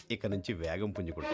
ఇక నుంచి వేగం పుంజుకుంటాం.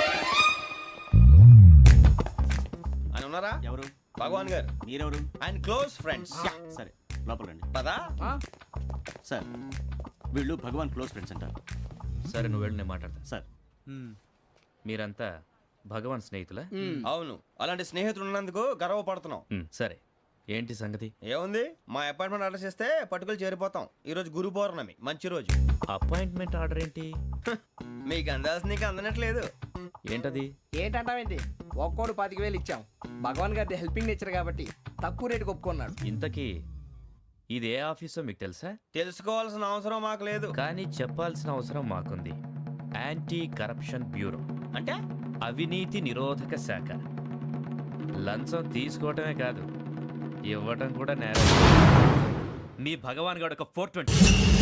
ఆయన ఉన్నారా? ఎవరు? భగవాన్ గారు. మీరెవరు? ఆయన క్లోజ్ ఫ్రెండ్స్. సరే లోపల రండి. పదా సార్ వీళ్ళు భగవాన్ క్లోజ్ ఫ్రెండ్స్ అంటారు. సరే నువ్వు వెళ్ళి నేను మాట్లాడతా. సార్ మీరంతా భగవాన్ స్నేహితులా? అవును, అలాంటి స్నేహితులు ఉన్నందుకు గర్వపడుతున్నాం. సరే ఏంటి సంగతి? ఏముంది, మా అపాయింట్మెంట్ ఆర్డర్ చేస్తే పట్టుకులు చేరిపోతాం. ఈ రోజు గురు పౌర్ణమి, మంచి రోజు. అపాయింట్మెంట్ ఆర్డర్ ఏంటి? మీకు అందాల్సిన నీకు అందనట్లేదు. ఏంటది? ఏంటంటావేంటి? ఒక్కోడు 25,000 ఇచ్చాం. భగవాన్ గారి హెల్పింగ్ నేచర్ కాబట్టి తక్కువ రేటుకి ఒప్పుకున్నాడు. ఇంతకీ ఇది ఏ ఆఫీసో మీకు తెలుసా? తెలుసుకోవాల్సిన అవసరం మాకు లేదు. కానీ చెప్పాల్సిన అవసరం మాకుంది. యాంటీ కరప్షన్ బ్యూరో అంటే అవినీతి నిరోధక శాఖ. లంచం తీసుకోవటమే కాదు, ఇవ్వటం కూడా నేరం. మీ భగవాన్ గారు ఒక 420.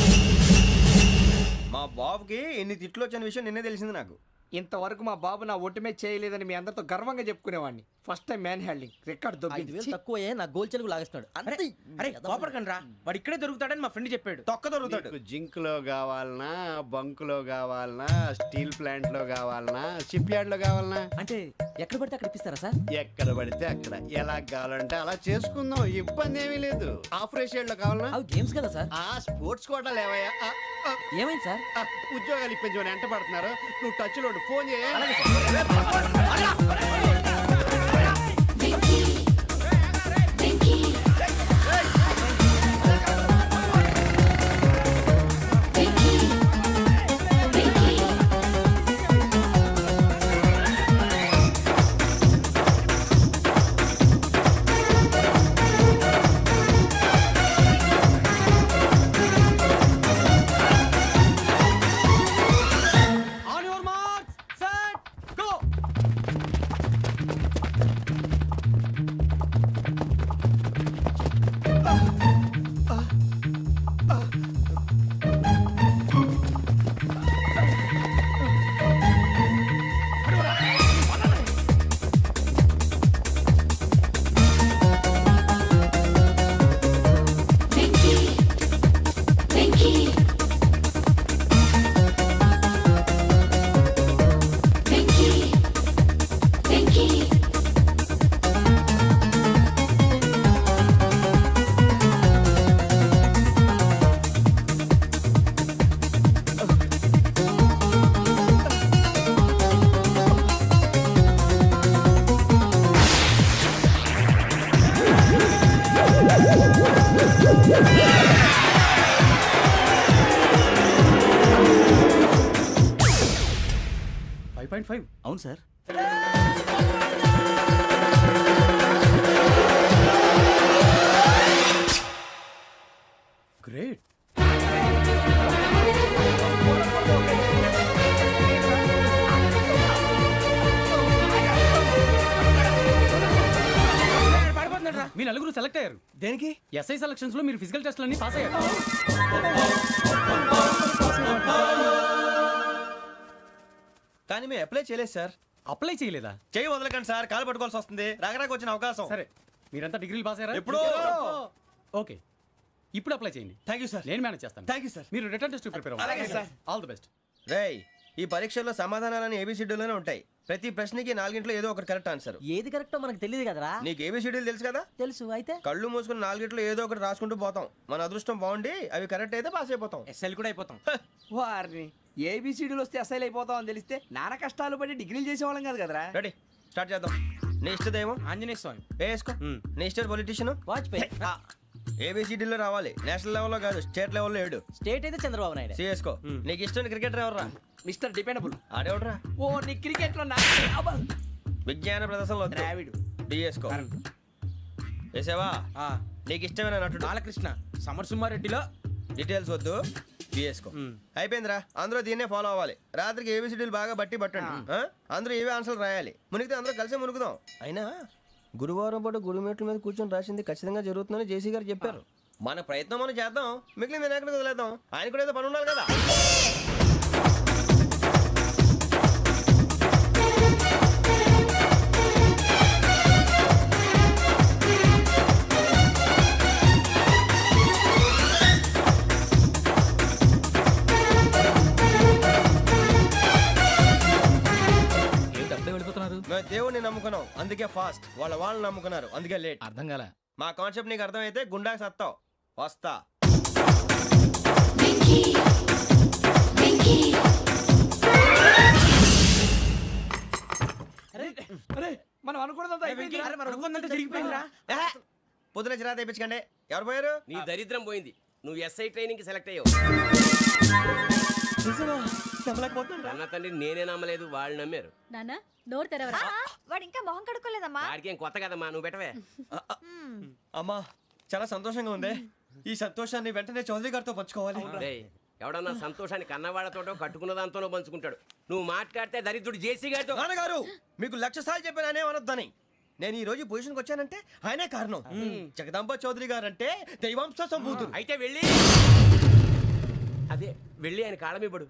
మా బాబుకి ఎన్ని తిట్లు వచ్చిన విషయం నిన్నే తెలిసింది నాకు. ఇంతవరకు మా బాబు నా ఒట్టుమే చేయలేదని మీ అందరితో గర్వంగా చెప్పుకునేవాడిని. First time man handing record దొబ్బింది. తక్కువే నా గోల్ చెలుగు లాగేస్తున్నాడు. అరే కోపడకండి రా, వాడు ఇక్కడే దొరుకుతాడని మా ఫ్రెండ్ చెప్పాడు. తొక్క దొరుకుతాడు. నీకు జింక్ లో కావాలనా, బంక్ లో కావాలనా, స్టీల్ ప్లాంట్ లో కావాలనా, షిప్ యార్డ్ లో కావాలనా? అంటే ఎక్కడ పడితే అక్కడ ఇప్పిస్తారా సార్? ఎక్కడ పడితే అక్కడ, ఎలా కావాలంటే అలా చేసుకుందాం. ఇబ్బంది ఏమీ లేదు. ఆపరేషన్ లో కావాలనా? అవి గేమ్స్ కదా సార్. ఆ స్పోర్ట్స్ కోటా లేవయ్యా. ఏమైంది సార్? ఉద్యోగాలు ఇప్పించమని ఎంట పడుతున్నారు. నువ్వు టచ్ లో ఫోన్ చేయ. అవును సార్. గ్రేట్. మీ నలుగురు సెలెక్ట్ అయ్యారు. దేనికి? ఎస్ఐ సెలక్షన్స్ లో మీరు ఫిజికల్ టెస్ట్ అన్ని పాస్ అయ్యారు. కానీ మేము అప్లై చేయలేదు సార్. అప్లై చేయలేదా? చేయి వదలకండి సార్, కాలు పట్టుకోవాల్సి వస్తుంది. రాగరాకు వచ్చిన అవకాశం. సరే మీరంతా డిగ్రీలు పాస్ అయ్యారా? ఎప్పుడో. ఓకే ఇప్పుడు అప్లై చేయండి. Thank you sir. నేను మేనేజ్ చేస్తాను. Thank you sir. మీరు రిటర్న్ టెస్ట్ ప్రిపేర్ అలాగే అవ్వండి. సార్. All the best. రేయ్, ఈ పరీక్షల్లో సమాధానాలని ఏబిసిడ్యూల్లోనే ఉంటాయి. ప్రతి ప్రశ్నకి 4 ఏదో ఒకటి కరెక్ట్ ఆన్సర్. ఏది కరెక్టో మనకు తెలియదు కదరా. నీకు ఏబిసిడ్యూల్ తెలుసు కదా? తెలుసు. అయితే కళ్ళు మూసుకుని 4 ఏదో ఒకటి రాసుకుంటూ పోతాం. మన అదృష్టం బాగుండి అవి కరెక్ట్ అయితే పాస్ అయిపోతాం. ఎస్ఎల్ కూడా అయిపోతాం. వారిని ఏబిసిడీలు వస్తే ఎస్ఐలు అయిపోతాం అని తెలిస్తే నాన్న కష్టాలు పడి డిగ్రీలు చేసేవాళ్ళం కాదు కదరా. రెడీ, స్టార్ట్ చేద్దాం. నీ ఇష్టదేమో ఆంజనేయ స్వామి. వేసుకో. నీ ఇష్ట పొలిటీషియన్ వాజ్పేయి. ఏబిసిడీలో రావాలి. నేషనల్ లెవెల్లో కాదు, స్టేట్ లెవెల్లో 7. స్టేట్ అయితే చంద్రబాబు నాయుడు. సిఎస్కో. నీకు ఇష్టం క్రికెటర్ ఎవర్రా? Mister dependable. ఆడేవడరా? ఓ నీ క్రికెట్ లో విజ్ఞాన ప్రదర్శనలో ద్రావిడు. డిఎస్కో. వేసావా? నీకు ఇష్టమైన నటుడు? బాలకృష్ణ. సమర్ సుమారెడ్డిలో డీటెయిల్స్ వద్దు, బిఎస్కో. అయిపోయిందిరా. అందరూ దీన్నే ఫాలో అవ్వాలి. రాత్రికి ఏబిసిడీలు బాగా బట్టి పట్టండి. అందరూ ఏవే ఆన్సర్లు రాయాలి. మునిగితే అందరూ కలిసి మునుగుదాం. అయినా గురువారం పాటు గురుమేట్ల మీద కూర్చొని రాసింది ఖచ్చితంగా జరుగుతుందని జేసీ గారు చెప్పారు. మన ప్రయత్నం మనం చేద్దాం, మిగిలింది ఎక్కడికి వదిలేద్దాం. ఆయన కూడా ఏదో పని ఉండాలి కదా. మేము దేవుడిని నమ్ముకున్నాం అందుకే ఫాస్ట్ వాళ్ళు నమ్ముకున్నారు అందుకే లేట్ అర్థం కాల. మా కాన్సెప్ట్ నీకు అర్థమైతే గుండాకి సత్తావు వస్తా అరే మనం అనుకున్నదంతా అయిపోయిందిరా. జరిగిపోయిందిరా పొద్దున చిరా తెప్పించకండి ఎవరు పోయారు నీ దరిద్రం పోయింది. నువ్వు ఎస్ఐ ట్రైనింగ్ కి సెలెక్ట్ అయ్యావు. అన్న తండ్రి నేనే నమ్మలేదు, వాళ్ళు నమ్మారు. నాన్న నోరు తెరవరా. వాడు ఇంకా మొహం కడుక్కోలేదమ్మా. వాడికి ఏం కొత్త కదమ్మా, నువ్వు పెట్టవే. అమ్మా చాలా సంతోషంగా ఉంది ఈ సంతోషాన్ని వెంటనే చౌదరి గారితో పంచుకోవాలి డేయ్, ఎవడన్నా సంతోషాన్ని కన్నవాళ్లతోటో కట్టుకున్న దాంతోనో పంచుకుంటాడు. నువ్వు మాట్లాడితే దరిద్రుడు జేసీ గారితో. నాన్నగారు మీకు 1,00,000 సార్లు చెప్పానే అనొద్దని. నేను ఈ రోజు పొజిషన్కి వచ్చానంటే ఆయనే కారణం. జగదాంబ చౌదరి గారు అంటే దైవాంశ సంభూతుడు. అయితే వెళ్ళి అదే వెళ్ళి ఆయన కాళ్ళమివ్వడు.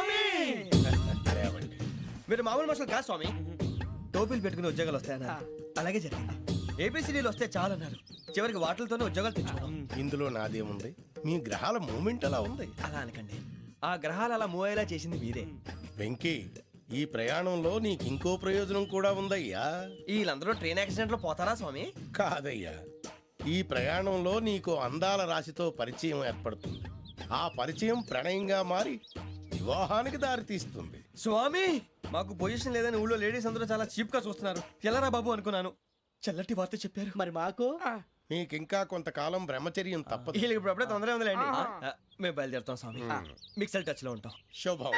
మీరు మామూలు మనుషులు కాదు స్వామి. టోపీలు పెట్టుకుని ఉద్యోగాలు వస్తాయన్నారు, అలాగే జరిగింది. ఏబిసిడీలు వస్తే చాలన్నారు, చివరికి వాటిలతోనే ఉద్యోగాలు తెచ్చుకున్నాం. ఇందులో నాదేముంది, మీ గ్రహాల మూమెంట్ అలా ఉంది. అలా అనకండి, ఆ గ్రహాలు అలా మూవ్ అయ్యేలా చేసింది మీరే. వెంకీ, ఈ ప్రయాణంలో నీకు ఇంకో ప్రయోజనం కూడా ఉందయ్యా. వీళ్ళందరూ ట్రైన్ యాక్సిడెంట్ లో పోతారా స్వామి? కాదయ్యా, ఈ ప్రయాణంలో నీకు అందాల రాశితో పరిచయం ఏర్పడుతుంది. ఆ పరిచయం ప్రణయంగా మారి వివాహానికి దారితీస్తుంది. స్వామి మాకు పొజిషన్ లేదని ఊళ్ళో లేడీస్ అందరూ చాలా చీప్ గా చూస్తున్నారు. ఎలారా బాబు అనుకున్నాను, చల్లటి వార్త చెప్పారు. మరి మాకు నీకింకా కొంతకాలం బ్రహ్మచర్యం తప్పదు. వీళ్ళకి ఇప్పుడు అప్పుడే తొందరగా ఉందిలేండి. మేము బయలుదేరుతాం స్వామి, మిక్సల్ టచ్ లో ఉంటాం. శుభం.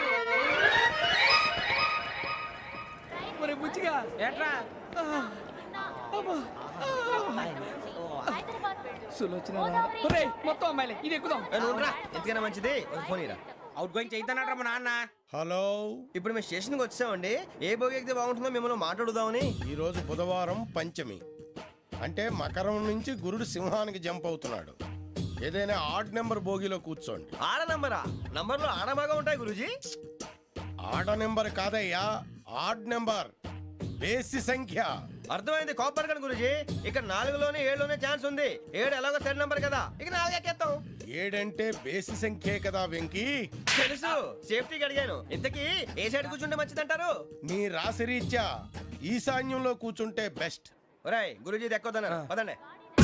మరి బుచ్చిగా ఏట్రా సులోచన ఒరేయ్, మొత్తం అమ్మాయిలే ఇది ఎక్కుదాం. ఎందుకైనా మంచిది ఒక ఫోన్ ఇరా. అవుట్ గోయింగ్ చేద్దానట్రా మా నాన్న. హలో, ఇప్పుడు మేము స్టేషన్కి వచ్చామండి. ఏ బోగి ఎక్కితే బాగుంటుందో మిమ్మల్ని మాట్లాడుదామని. ఈరోజు బుధవారం పంచమి, అంటే మకరం నుంచి గురుడు సింహానికి జంప్ అవుతున్నాడు. ఏదైనా ఆడ్ నెంబర్ బోగిలో కూర్చోండి. ఆడ నంబరా? నంబర్లో ఆడ బాగా ఉంటాయి గురూజీ. ఆడ నెంబర్ కాదయ్యా, ఆడ్ నెంబర్, బేసి సంఖ్య. అర్థమైంది, కాపర్ కానీ గురూజీ. ఇక్కడ 4లోనే 7లోనే ఛాన్స్ ఉంది. 7 ఎలాగో సెడ్ నంబర్ కదా, ఇక 4 ఎక్కేస్తాం. 7 అంటే బేసి సంఖ్యే కదా వెంకీ. తెలుసు, సేఫ్టీకి అడిగాను. ఇంతకీ ఏ సైడ్ కూర్చుంటే మంచిదంటారు? నీ రాశి రీత్యా ఈశాన్యంలో కూర్చుంటే బెస్ట్. ఒరాయ్ గురూజీ దెక్కొద్దన్నారు, పదండి.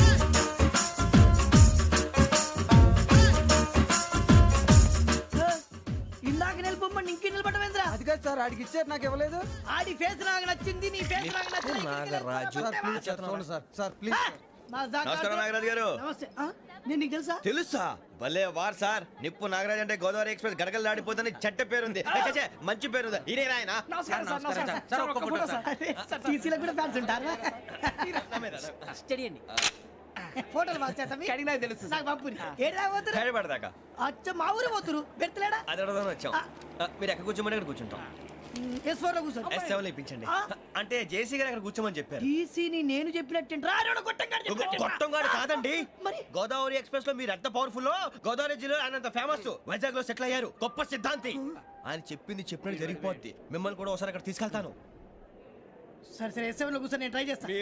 ఇందాక నిలబొమ్మని ఇంకే నిలబడమేంద్రా. అది కాదు సార్, ఆడికి ఇచ్చారు నాకు ఇవ్వలేదు. ఆడి ఫేస్ నాకు నచ్చింది, నీ ఫేస్ నాకు నచ్చింది. నాగరాజు. Sir please. నమస్కారం నాగరాజు గారు. నమస్తే. నేను నీకు తెలుసా? తెలుసా? భలే వార్ సార్. నిప్పు నాగరాజ్ అంటే గోదావరి ఎక్స్ప్రెస్ గడగలు దాడిపోతుంది చెట్ట పేరుంది. ఛే, మంచి పేరుంది. ఇదే ఆయన. నమస్కారం సార్, నమస్కారం సార్. ఒక్క ఫోటో సార్. సార్ టీసీలో కూడా ఫ్యాన్స్ ఉంటారా? స్టడీ అండి. ఫోటోలు మార్చేస్తాం. కడిగి నాకు తెలుసు నాకు పంపుని. ఏడా పోతురు? హైదరాబాద్ అచ్చ మా ఊరు పోతురు. పెడతలేడా? అది అడగదామని వచ్చాం. మీరు ఎక్కడ కూర్చోమని అక్కడ కూర్చుంటాం. S4 లో కూర్చో. S7 ఇప్పించండి. అంటే జేసీ గారు అక్కడ కూర్చోమని చెప్పారు. టీసీని నేను చెప్పినట్టు గొట్టంగాడు కాదండి. మరి గోదావరి ఎక్స్ప్రెస్ లో మీరు ఎంత పవర్ఫుల్, గోదావరి జిల్లా ఆయన ఫేమస్. వైజాగ్ లో సెటిల్ అయ్యారు, గొప్ప సిద్ధాంతి. ఆయన చెప్పింది చెప్పినట్టు జరిగిపోద్ది. మిమ్మల్ని కూడా ఒకసారి అక్కడ తీసుకెళ్తాను. సరే సరే S7 లో కూర్చొని నేను ట్రై చేస్తాను.